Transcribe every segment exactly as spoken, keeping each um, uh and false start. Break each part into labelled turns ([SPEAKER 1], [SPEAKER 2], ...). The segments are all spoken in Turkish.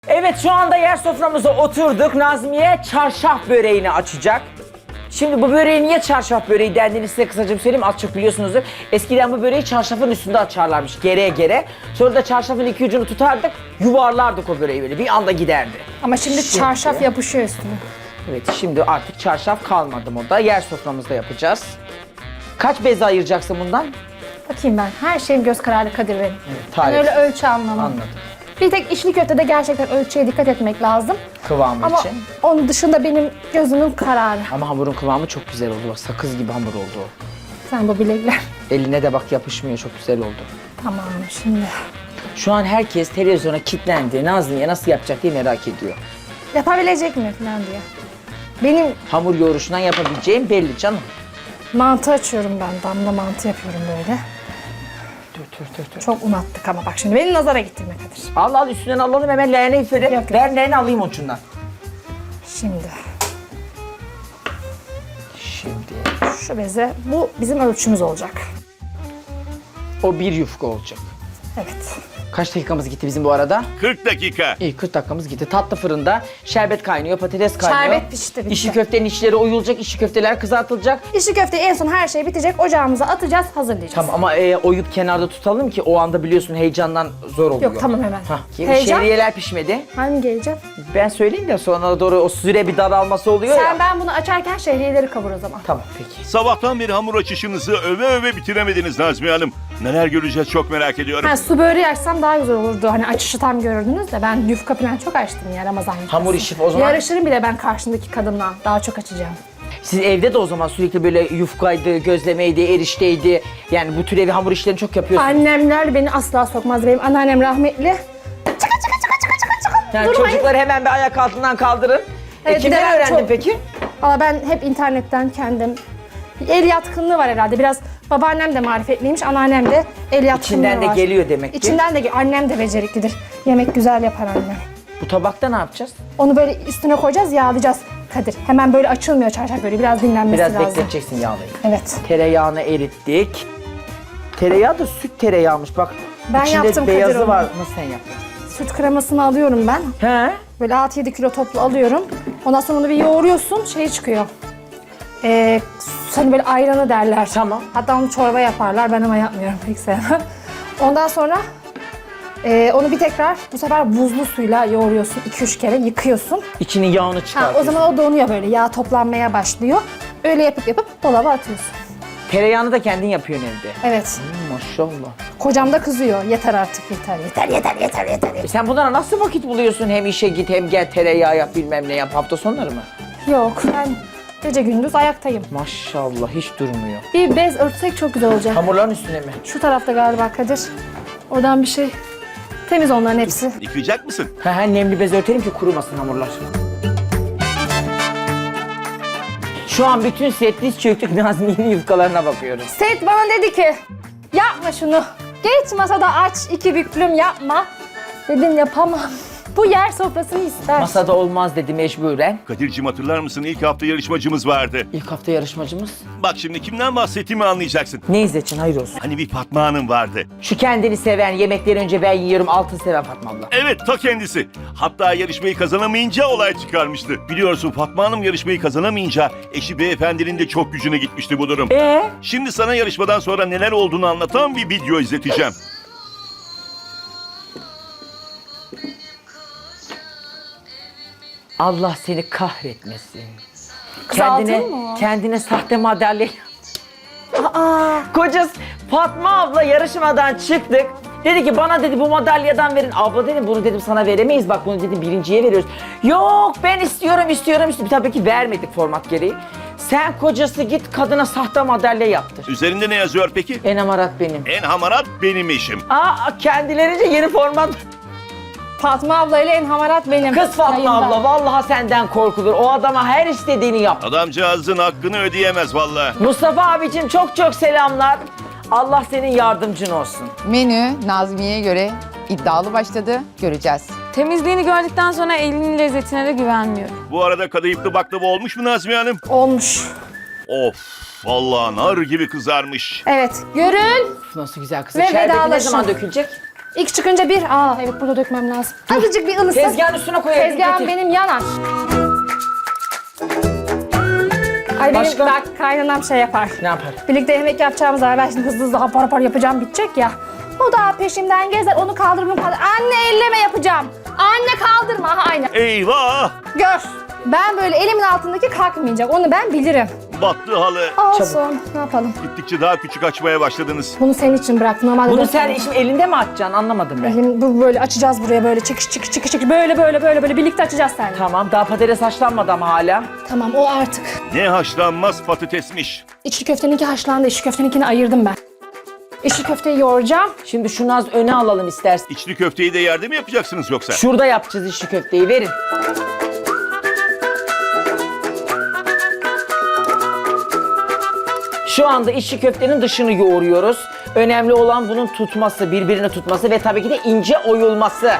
[SPEAKER 1] Evet, şu anda yer soframıza oturduk. Nazmiye çarşaf böreğini açacak. Şimdi bu böreği niye çarşaf böreği dendiğini size kısaca bir söyleyeyim. Az çok biliyorsunuzdur. Eskiden bu böreği çarşafın üstünde açarlarmış gereye gere. Sonra da çarşafın iki ucunu tutardık, yuvarlardık o böreği böyle. Bir anda giderdi.
[SPEAKER 2] Ama şimdi,
[SPEAKER 1] Şimdi-
[SPEAKER 2] çarşaf yapışıyor üstüne.
[SPEAKER 1] Evet, şimdi artık çarşaf kalmadı moda. Yer soframızda yapacağız. Kaç bez ayıracaksın bundan?
[SPEAKER 2] Bakayım ben. Her şeyim göz kararı Kadir benim. Ben
[SPEAKER 1] tarif.
[SPEAKER 2] öyle ölçü anlamam.
[SPEAKER 1] Anladım.
[SPEAKER 2] Bir tek içli köftede gerçekten ölçüye dikkat etmek lazım.
[SPEAKER 1] Kıvamı
[SPEAKER 2] Ama
[SPEAKER 1] için.
[SPEAKER 2] onun dışında benim gözümün kararı.
[SPEAKER 1] Ama hamurun kıvamı çok güzel oldu. Bak, sakız gibi hamur oldu o.
[SPEAKER 2] Sen bu bilekler.
[SPEAKER 1] Eline de bak yapışmıyor, çok güzel oldu.
[SPEAKER 2] Tamam şimdi.
[SPEAKER 1] Şu an herkes televizyona kilitlendi. Nazmiye nasıl yapacak diye merak ediyor.
[SPEAKER 2] Yapabilecek mi falan diye. Benim
[SPEAKER 1] Hamur yoğuruşundan yapabileceğim belli canım.
[SPEAKER 2] mantı açıyorum ben. Damla mantı yapıyorum böyle.
[SPEAKER 1] Tür tür tür tür.
[SPEAKER 2] Çok un attık ama bak şimdi beni nazara getirme Kadir.
[SPEAKER 1] Al al, üstünden alalım hemen leğene üfledim.
[SPEAKER 2] Yok, yok.
[SPEAKER 1] Ver leğeni alayım ucundan.
[SPEAKER 2] Şimdi
[SPEAKER 1] Şimdi
[SPEAKER 2] şu beze, bu bizim ölçümüz olacak.
[SPEAKER 1] o bir yufka olacak.
[SPEAKER 2] Evet.
[SPEAKER 1] Kaç dakikamız gitti bizim bu arada?
[SPEAKER 3] kırk dakika.
[SPEAKER 1] İyi, kırk dakikamız gitti. Tatlı fırında şerbet kaynıyor, patates kaynıyor.
[SPEAKER 2] Şerbet pişti, bitti.
[SPEAKER 1] İçli köftenin içleri oyulacak, içli köfteler kızartılacak.
[SPEAKER 2] İçli köfteyi en son her şey bitecek. Ocağımıza atacağız, hazırlayacağız.
[SPEAKER 1] Tamam ama e, oyup kenarda tutalım ki o anda biliyorsun heyecandan zor oluyor.
[SPEAKER 2] Yok, tamam, hemen.
[SPEAKER 1] Hah,
[SPEAKER 2] Heyecan?
[SPEAKER 1] şehriyeler pişmedi.
[SPEAKER 2] Hangi geleceğim?
[SPEAKER 1] Ben söyleyeyim de sonra doğru o süre bir daralması oluyor
[SPEAKER 2] Sen
[SPEAKER 1] ya.
[SPEAKER 2] ben bunu açarken şehriyeleri kavur o zaman.
[SPEAKER 1] Tamam peki.
[SPEAKER 3] Sabahtan beri hamur açışınızı öve öve bitiremediniz Nazmiye Hanım. Neler göreceğiz çok merak ediyorum.
[SPEAKER 2] Ha, su böreği açsam daha güzel olurdu. Hani açışı tam görürdünüz de ben yufka falan çok açtım ya Ramazan yufkası.
[SPEAKER 1] Hamur işi o zaman.
[SPEAKER 2] Yarışırım bile ben karşımdaki kadınla. Daha çok açacağım.
[SPEAKER 1] Siz evde de o zaman sürekli böyle yufkaydı, gözlemeydi, erişteydi. Yani bu tür evi hamur işlerini çok yapıyorsunuz.
[SPEAKER 2] Annemler beni asla sokmaz. Benim anneannem rahmetli. Çıkın çıkın çıkın çıkın çıkın çıkın.
[SPEAKER 1] Yani
[SPEAKER 2] Durmayın.
[SPEAKER 1] çocukları hemen bir ayak altından kaldırın.
[SPEAKER 2] Evet,
[SPEAKER 1] e,
[SPEAKER 2] bir
[SPEAKER 1] kimden
[SPEAKER 2] de ben
[SPEAKER 1] öğrendin
[SPEAKER 2] çok-
[SPEAKER 1] peki?
[SPEAKER 2] Valla ben hep internetten kendim. El yatkınlığı var herhalde. Biraz babaannem de marifetliymiş, anneannem de el yatkınlığı
[SPEAKER 1] İçinden de
[SPEAKER 2] var.
[SPEAKER 1] geliyor demek ki.
[SPEAKER 2] İçinden de ge- annem de beceriklidir. Yemek güzel yapar annem.
[SPEAKER 1] Bu tabakta ne yapacağız?
[SPEAKER 2] Onu böyle üstüne koyacağız, yağlayacağız Kadir. Hemen böyle açılmıyor çarşaf böyle. Biraz dinlenmesi
[SPEAKER 1] Biraz
[SPEAKER 2] lazım.
[SPEAKER 1] bekleteceksin yağlayı.
[SPEAKER 2] Evet.
[SPEAKER 1] Tereyağını erittik. Tereyağı da süt tereyağımış bak.
[SPEAKER 2] Ben
[SPEAKER 1] İçinde
[SPEAKER 2] yaptım Kadir
[SPEAKER 1] beyazı
[SPEAKER 2] onu.
[SPEAKER 1] var. Nasıl sen yaptın?
[SPEAKER 2] Süt kremasını alıyorum ben.
[SPEAKER 1] He?
[SPEAKER 2] Böyle altı yedi kilo toplu alıyorum. Ondan sonra onu bir yoğuruyorsun, şey çıkıyor. Ee, hani böyle ayranı derler.
[SPEAKER 1] Tamam.
[SPEAKER 2] Hatta onu çorba yaparlar, ben ama yapmıyorum, pek sevmem. Ondan sonra e, onu bir tekrar bu sefer buzlu suyla yoğuruyorsun, iki üç kere yıkıyorsun.
[SPEAKER 1] İçinin yağını
[SPEAKER 2] Ha,
[SPEAKER 1] çıkartıyorsun.
[SPEAKER 2] o zaman o donuyor böyle, yağ toplanmaya başlıyor. Öyle yapıp yapıp dolaba atıyorsun.
[SPEAKER 1] Tereyağını da kendin yapıyorsun evde.
[SPEAKER 2] Evet.
[SPEAKER 1] Hmm, maşallah.
[SPEAKER 2] Kocam da kızıyor. Yeter artık, yeter, yeter, yeter, yeter, yeter.
[SPEAKER 1] E sen bunlara nasıl vakit buluyorsun? Hem işe git hem gel tereyağı yap bilmem ne yap. Hafta sonları mı?
[SPEAKER 2] Yok, ben gece gündüz ayaktayım.
[SPEAKER 1] Maşallah hiç durmuyor.
[SPEAKER 2] Bir bez örtsek çok güzel olacak.
[SPEAKER 1] Hamurların üstüne mi?
[SPEAKER 2] Şu tarafta galiba Kadir. Oradan bir şey. Temiz onların hepsi.
[SPEAKER 3] Yıkayacak mısın?
[SPEAKER 1] He he, nemli bez örtelim ki kurumasın hamurlar. Şu an bütün set diz çöktük, Nazmiye'nin yufkalarına bakıyoruz.
[SPEAKER 2] Set bana dedi ki yapma şunu. Geç masada aç, iki büklüm yapma. Dedim yapamam. Bu yer sofrasını ister.
[SPEAKER 1] Masada olmaz dedi mecburen.
[SPEAKER 3] Kadir'cim hatırlar mısın ilk hafta yarışmacımız vardı.
[SPEAKER 1] İlk hafta yarışmacımız.
[SPEAKER 3] Bak şimdi kimden bahsettiğimi anlayacaksın.
[SPEAKER 1] Ne İzzet'in hayır olsun.
[SPEAKER 3] Hani bir Fatma Hanım vardı.
[SPEAKER 1] Şu kendini seven, yemekleri önce ben yiyorum, altın seven Fatma abla.
[SPEAKER 3] Evet ta kendisi. Hatta yarışmayı kazanamayınca olay çıkarmıştı. Biliyorsun Fatma Hanım yarışmayı kazanamayınca eşi beyefendinin de çok gücüne gitmişti bu durum.
[SPEAKER 1] Ee?
[SPEAKER 3] Şimdi sana yarışmadan sonra neler olduğunu anlatan bir video izleteceğim.
[SPEAKER 1] Allah seni kahretmesin.
[SPEAKER 2] Kızartın
[SPEAKER 1] Kendine,
[SPEAKER 2] mı?
[SPEAKER 1] kendine sahte madalya.
[SPEAKER 2] Aa,
[SPEAKER 1] Kocası Fatma abla yarışmadan çıktık. Dedi ki bana dedi bu madalyadan verin. Abla dedim bunu dedim sana veremeyiz. Bak bunu dedim birinciye veriyoruz. Yok ben istiyorum istiyorum istiyorum. Tabii ki vermedik format gereği. Sen kocası git kadına sahte madalya yaptır.
[SPEAKER 3] Üzerinde ne yazıyor peki?
[SPEAKER 1] En amarat benim.
[SPEAKER 3] En hamarat benim eşim.
[SPEAKER 1] Aa kendilerince yeni format.
[SPEAKER 2] Fatma abla ile en hamarat benim.
[SPEAKER 1] Kız Fatma
[SPEAKER 2] Yayında.
[SPEAKER 1] abla vallahi senden korkulur. O adama her istediğini yap.
[SPEAKER 3] Adamcağızın hakkını ödeyemez vallahi.
[SPEAKER 1] Mustafa abicim çok çok selamlar. Allah senin yardımcın olsun.
[SPEAKER 4] Menü Nazmiye'ye göre iddialı başladı. Göreceğiz.
[SPEAKER 5] Temizliğini gördükten sonra elinin lezzetine de güvenmiyorum.
[SPEAKER 3] Bu arada kadayıflı baklava olmuş mu Nazmiye Hanım?
[SPEAKER 2] Olmuş.
[SPEAKER 3] Of vallahi nar gibi kızarmış.
[SPEAKER 2] Evet. Görün.
[SPEAKER 1] Nasıl güzel kızım.
[SPEAKER 2] Ve
[SPEAKER 1] Şerbeti ne
[SPEAKER 2] vedalaşın.
[SPEAKER 1] zaman dökülecek?
[SPEAKER 2] İlk çıkınca bir. Aa evet burada dökmem lazım. Azıcık bir ılısın.
[SPEAKER 1] Tezgahın üstüne koyalım.
[SPEAKER 2] Tezgahım
[SPEAKER 1] getir.
[SPEAKER 2] benim yanar. Ay benim
[SPEAKER 1] Başka?
[SPEAKER 2] bak kaynanam şey yapar.
[SPEAKER 1] Ne yapar?
[SPEAKER 2] Birlikte yemek yapacağımız zaman ben şimdi hızlı hızlı apar apar yapacağım bitecek ya. O da peşimden gezer onu kaldır bunu kaldır. Anne elleme yapacağım. Anne kaldırma. Aha aynen.
[SPEAKER 3] Eyvah!
[SPEAKER 2] Gör. Ben böyle elimin altındaki kalkmayacak. Onu ben bilirim.
[SPEAKER 3] Battı halı.
[SPEAKER 2] Olsun. Ne yapalım?
[SPEAKER 3] Gittikçe daha küçük açmaya başladınız.
[SPEAKER 2] Bunu senin için bıraktım. Normalde
[SPEAKER 1] Bunu
[SPEAKER 2] dört
[SPEAKER 1] sen
[SPEAKER 2] tane.
[SPEAKER 1] şimdi elinde mi atacaksın anlamadım ben.
[SPEAKER 2] Elim, bu böyle açacağız buraya böyle çıkış çıkış çıkış çıkış. Böyle böyle böyle böyle birlikte açacağız seninle.
[SPEAKER 1] Tamam daha patates haşlanmadı ama hala.
[SPEAKER 2] Tamam o artık.
[SPEAKER 3] Ne haşlanmaz patatesmiş.
[SPEAKER 2] İçli köfteninki haşlandı. İçli köfteninkini ayırdım ben. İçli köfteyi yoğuracağım.
[SPEAKER 1] Şimdi şunu az öne alalım istersen.
[SPEAKER 3] İçli köfteyi de yerde mi yapacaksınız yoksa?
[SPEAKER 1] Şurada yapacağız içli köfteyi verin. Şu anda içli köftenin dışını yoğuruyoruz. Önemli olan bunun tutması, birbirini tutması ve tabii ki de ince oyulması.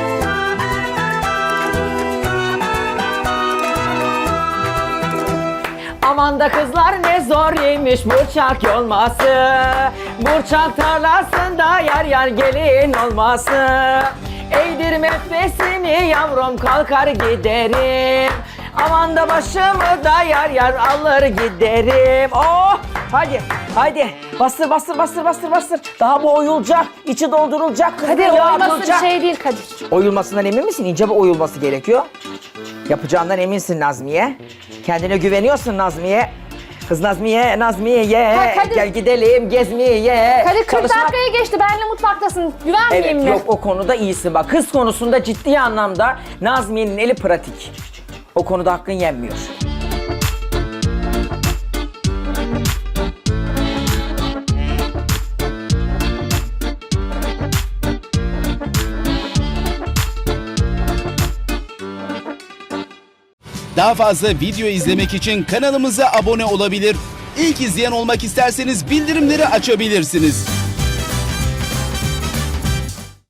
[SPEAKER 1] Aman da kızlar ne zor yemiş burçak yolması. Burçak tarlasında yar yar gelin olması. Eğdir mefesini yavrum kalkar giderim. Aman da başımı da yar yar alır giderim. Oh! Hadi, hadi. Bastır, bastır, bastır, bastır, bastır. Daha bu oyulacak, içi doldurulacak.
[SPEAKER 2] Kadir
[SPEAKER 1] yağ
[SPEAKER 2] oyması bir
[SPEAKER 1] atılacak.
[SPEAKER 2] şey değil Kadir.
[SPEAKER 1] Oyulmasından emin misin? İnce bir oyulması gerekiyor. Yapacağından eminsin Nazmiye. Kendine güveniyorsun Nazmiye. Kız Nazmiye, Nazmiye ye.
[SPEAKER 2] Ha, Kadir-
[SPEAKER 1] Gel gidelim gezmeye.
[SPEAKER 2] Kadir kırk
[SPEAKER 1] Çalışmak-
[SPEAKER 2] dakikaya geçti. Benle mutfaktasın. Güvenmeyeyim
[SPEAKER 1] Evet
[SPEAKER 2] mi?
[SPEAKER 1] yok o konuda iyisin bak. Kız konusunda ciddi anlamda Nazmiye'nin eli pratik. O konuda hakkın yenmiyor.
[SPEAKER 6] Daha fazla video izlemek için kanalımıza abone olabilir. İlk izleyen olmak isterseniz bildirimleri açabilirsiniz.